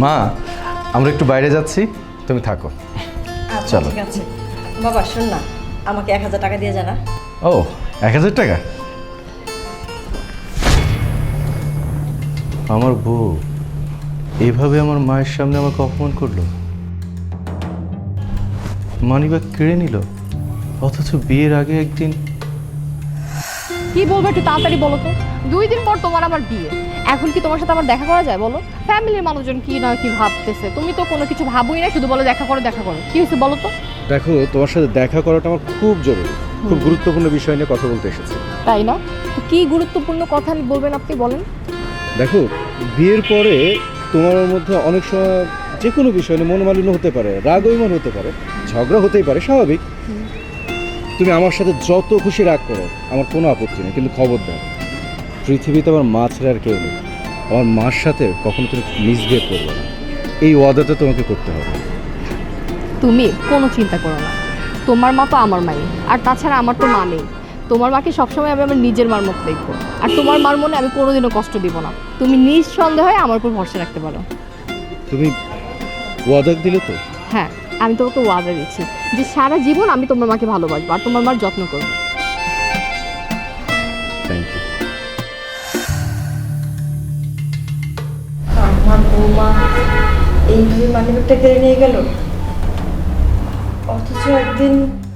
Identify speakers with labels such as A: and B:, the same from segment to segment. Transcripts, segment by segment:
A: মা আমরা একটু বাইরে যাচ্ছি, তুমি থাকো।
B: আচ্ছা
A: চলো।
B: ঠিক আছে বাবা, শোন না, আমাকে 1000 টাকা দিয়ে জানা।
A: ও 1000 টাকা? আমার বউ এভাবে আমার মায়ের সামনে আমাকে অপমান করলো, মানিব্যাগ কেড়ে নিল, অথচ বিয়ের আগে একদিন।
C: কি বলবো একটু তাড়াতাড়ি বলো তো। 2 দিন পর তোমার আবার বিয়ে, এখন কি তোমার সাথে আমার দেখা করা যায় বলো? ফ্যামিলির মানুষজন কি না কি ভাবতেছে, তুমি তো কোনো কিছু ভাবোই না, শুধু বলো দেখা করো দেখা করো। কি হয়েছে বলো তো?
A: দেখো, তোমার সাথে দেখা করাটা আমার খুব জরুরি, খুব গুরুত্বপূর্ণ বিষয় নিয়ে কথা বলতে এসেছি।
C: তাই না? তো কি গুরুত্বপূর্ণ কথা বলবেন আপনি, বলেন।
A: দেখো, বিয়ের পরে তোমার মধ্যে অনেক সময় যে কোনো বিষয় নিয়ে মনোমালিন্য হতে পারে, রাগ অভিমান হতে পারে, ঝগড়া হতেই পারে, স্বাভাবিক। তুমি আমার সাথে যত খুশি রাগ করো, আমার কোনো আপত্তি নেই, কিন্তু খবরদার পৃথিবীতে আমার মা ছাড়া আর কেউ নেই, আমার মার সাথে কখনো তুমি মিসবিহেভ করবে না, এই ওয়াদাটা তোমাকে করতে হবে।
C: তুমি কোনো চিন্তা করো না, তোমার মা তো আমার মাই, আর তাছাড়া আমার তো মা নেই। তোমার মাকে সবসময় আমি আমার নিজের মার মতো দেখবো, আর তোমার মার মনে আমি কোনোদিনও কষ্ট দিব না। তুমি নিঃসন্দেহে আমার উপর ভরসা রাখতে পারো।
A: তুমি ওয়াদা দিলে তো?
C: হ্যাঁ, আমি তোমাকে ওয়াদা দিচ্ছি যে সারা জীবন আমি তোমার মাকে ভালোবাসবো আর তোমার মার যত্ন করবো।
A: Thank you.
B: আমার বৌমা এইভাবে মানিব্যাগটা কেড়ে নিয়ে গেল, অথচ একদিন।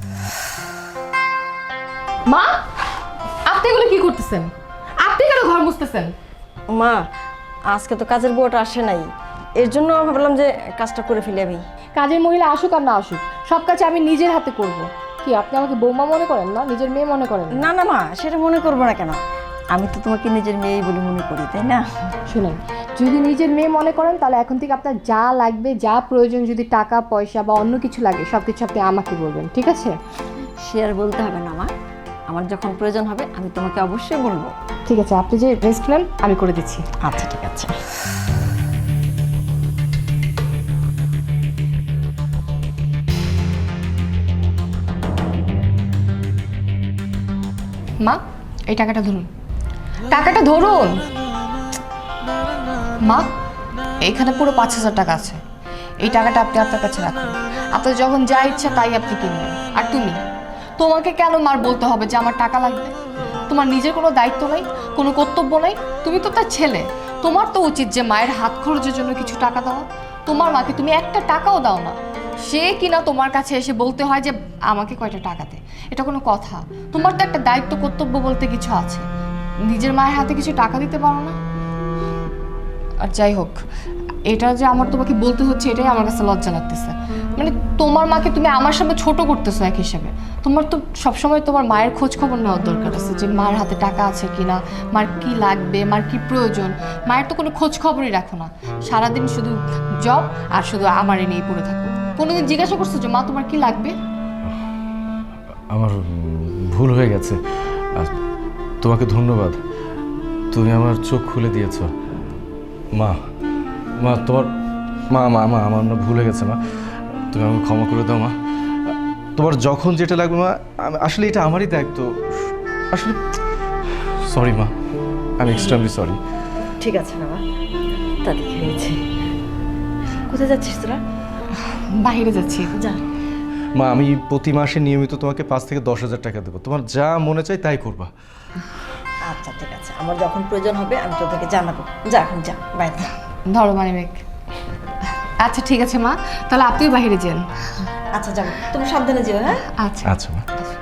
C: মা, আপনি এগুলো কি করতেছেন? আপনি কেন ঘর মুছতেছেন?
B: মা, আজকে তো কাজের বউটা আসে নাই, এর জন্য ভাবলাম যে কাজটা করে ফেলি আমি।
C: কাজের মহিলা আসুক আর না আসুক, সব কাজ আমি নিজের হাতে করব। কি আপনি আমাকে বৌমা মনে করেন না, নিজের মেয়ে মনে করেন না?
B: না না মা, সেটা মনে করবো না কেন, আমি তো তোমাকে নিজের মেয়েই বলে মনে করি, তাই না?
C: শুনেন, যদি নিজের মেয়ে মনে করেন তাহলে এখন থেকে আপনার যা লাগবে, যা প্রয়োজন, যদি টাকা পয়সা বা অন্য কিছু লাগে সব কিছু আপনি আমাকে বলবেন, ঠিক আছে?
B: সে আর বলতে হবে না মা, আমার যখন প্রয়োজন হবে আমি তোমাকে অবশ্যই বলবো।
C: ঠিক আছে, আপনি যে রেস্ট নেন আমি করে দিচ্ছি।
B: আচ্ছা ঠিক আছে।
C: মা, এই টাকাটা ধরুন, টাকাটা ধরুন। মা, এখানে পুরো 5000 টাকা আছে। এই টাকাটা আপনি আপনার কাছে রাখুন, আপনার যখন যা ইচ্ছা তাই আপনি কিনবেন। আর তুমি, তোমাকে কেন মার বলতে হবে যে আমার টাকা লাগবে? তোমার নিজের কোনো দায়িত্ব নাই, কোনো কর্তব্য নাই? তুমি তো তার ছেলে, তোমার তো উচিত যে মায়ের হাত খরচের জন্য কিছু টাকা দেওয়া। তোমার মাকে তুমি একটা টাকাও দাও না, সে কিনা তোমার কাছে এসে বলতে হয় যে আমাকে কয়টা টাকা দে। এটা কোনো কথা? তোমার তো একটা দায়িত্ব কর্তব্য বলতে কিছু আছে, নিজের মায়ের হাতে কিছু টাকা দিতে পারো না? আর যাই হোক, এটা যে আমার তোমাকে বলতে হচ্ছে এটাই আমার কাছে লজ্জা লাগতেছে। মানে তোমার মাকে তুমি আমার সামনে ছোট করতেছো এক হিসেবে। তোমার তো সবসময় তোমার মায়ের খোঁজ খবর নেওয়ার দরকার আছে, যে মায়ের হাতে টাকা আছে কিনা, মার কি লাগবে, মার কি প্রয়োজন। মায়ের তো কোনো খোঁজ খবরই রাখো না, সারাদিন শুধু জব আর শুধু আমারই নিয়ে পড়ে থাকো। কোনোদিন জিজ্ঞাসা করছো যে মা তোমার কি লাগবে?
A: আমার ভুল হয়ে গেছে, আর তোমাকে ধন্যবাদ, তুমি আমার চোখ খুলে দিয়েছ। মা, মা তোমার, মা মা মা আমার না ভুল হয়ে গেছে মা, তুমি আমাকে ক্ষমা করে দাও মা। তোমার যখন যেটা লাগবে মা, আসলে এটা আমারই দায়িত্ব, আসলে সরি মা, আমি এক্সট্রিমলি সরি।
B: ঠিক আছে বাবা, তা দেখে হয়েছে। কোথায় যাচ্ছিস তোরা?
C: বাইরে যাচ্ছি।
B: যা।
A: মা, আমি প্রতি মাসে নিয়মিত তোমাকে 5 থেকে 10,000 টাকা দেবো, তোমার যা মনে চাই তাই করবা।
B: আচ্ছা ঠিক আছে, আমার যখন প্রয়োজন হবে আমি তোদেরকে জানাবো। যা এখন যা, বাইরে যা।
C: ধরো মানিব্যাগ। আচ্ছা ঠিক আছে মা, তাহলে আপনিও বাইরে যান।
B: আচ্ছা যাবো, তুমি সাবধানে যেও। হ্যাঁ
C: আচ্ছা
A: আচ্ছা মা।